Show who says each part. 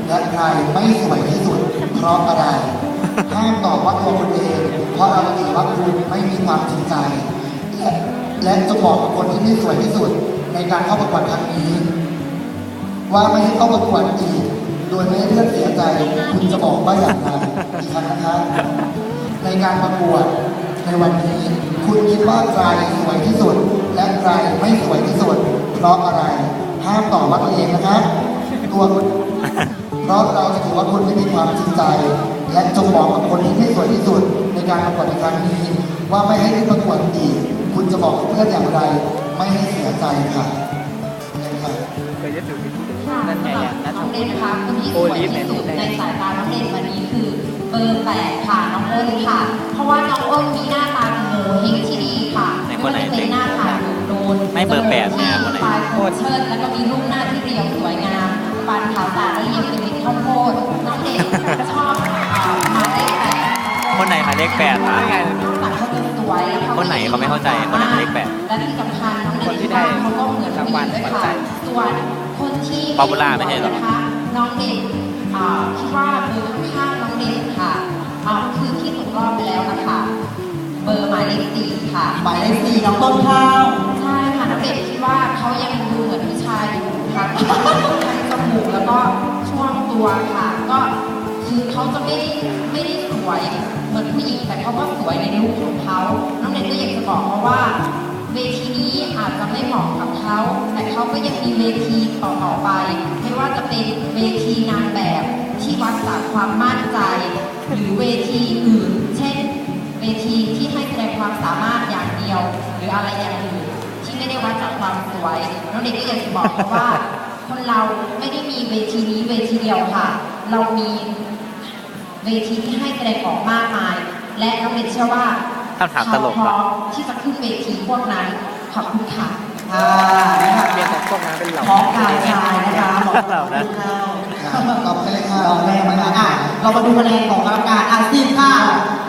Speaker 1: และใครไม่สวยที่สุดเพราะอะไรห้ามตอบว่าตัวคุณเองเพราะเราถือว่าคุณไม่มีความจริงใจและจะบอกกับคนที่ไม่สวยที่สุดในการเข้าประกวดครั้งนี้ ว่าไม่ให้เข้าประกวดอีกโดยไม่ให้เพื่อนเสียใจคุณจะบอกว่าอย่างไรอีกครั้งนะคะในการประกวดในวันนี้ คุณคิดว่าใครสวยที่สุด และใครไม่สวยที่สุดเพราะอะไรห้ามตอบว่าตัวเองนะคะตัวคุณเพราะเราจะถือว่าคุณไม่มีความจริงใจ และจงบอกกับคนที่ไม่สวยที่สุดในการประกวดในครั้งนี้ ว่าไม่ให้ขึ้นประกวดอีกคุณจะบอกกับเพื่อนอย่างไร ไม่ให้เสียใจค่ะ
Speaker 2: เคยจะถือ
Speaker 3: ค่ะ
Speaker 2: นั่นไง
Speaker 3: สำหรับน้องเด่นนะคะคนที่สวยที่สุดในสายตาน้องเด่นวันนี้คือเบอร์8ค่ะน้องอ้นค่ะ เพราะว่าน้องอ้นมีหน้าตาโงเฮงที่ดีค่ะไม่ว่าจะเป็นหน้าตาโดน
Speaker 2: ไม่เบอร์8เนี่ยคนไหน
Speaker 3: ปลายโคตรเชิดแล้วก็มีรูปหน้าที่เรียวสวยงามปานขาวตาและเรียงเป็นเม็ดข้าวโพดน้องเด่นชอบหมายเลข8
Speaker 2: คนไหนหมายเลข8อ่ะ
Speaker 3: หลังเขาจะสวยแล้ว
Speaker 2: คนไหนเขาไม่เข้าใจคนไหนหมายเลข8
Speaker 3: และที่สำคัญน้องเด่นเขาก็เหมือนรางวัลด้วยค่ะส่วนคนที่
Speaker 2: ป๊อปปูล่าไม่ใช่หรอ
Speaker 3: น้องเด่นคิดว่าเบอร์ข้างๆน้องเด่นค่ะคือที่ตกรอบไปแล้วนะคะเบอร์หมายเลข4ค่ะ
Speaker 1: หมายเลข4น้องต้นข้าว
Speaker 3: ใช่ค่ะน้องเด่นคิดว่าเขายังดูเหมือนผู้ชายอยู่ค่ะทั้งจมูกแล้วก็ช่วงตัวค่ะ ก็คือเขาจะไม่ได้สวยเหมือนผู้หญิงแต่เขาก็สวยในลุคของเขาน้องเด่นก็อยากจะบอกเขาว่าเวทีนี้อาจจะไม่เหมาะกับเขาแต่เขาก็ยังมีเวทีต่อไปไม่ว่าจะเป็นเวทีนางแบบที่วัดจากความมั่นใจ หรือเวทีอื่น เช่น เวทีที่ให้แสดงความสามารถอย่างเดียว หรืออะไรอย่างอื่นที่ไม่ได้วัดจากความสวยน้องเด็กก็อยากจะบอกเขาว่า คนเราไม่ได้มีเวทีนี้เวทีเดียวค่ะ เรามีเวทีที่ให้แสดงออกมากมาย และน้องเด็กเชื่อว่าเขาพร้อมที่จะขึ้นเวทีพวกนั้นขอบคุณค่ะ
Speaker 1: นะคะ
Speaker 2: เรียนของพวกนั้นเป็นเหล่า
Speaker 1: พร้อมกายชายนะคะบอก
Speaker 2: เหล่านะ
Speaker 1: ตอบไปเลยค่ะตอบแม่มาค่ะเรามาดูคะแนนของกรรมการอาซีพค่ะ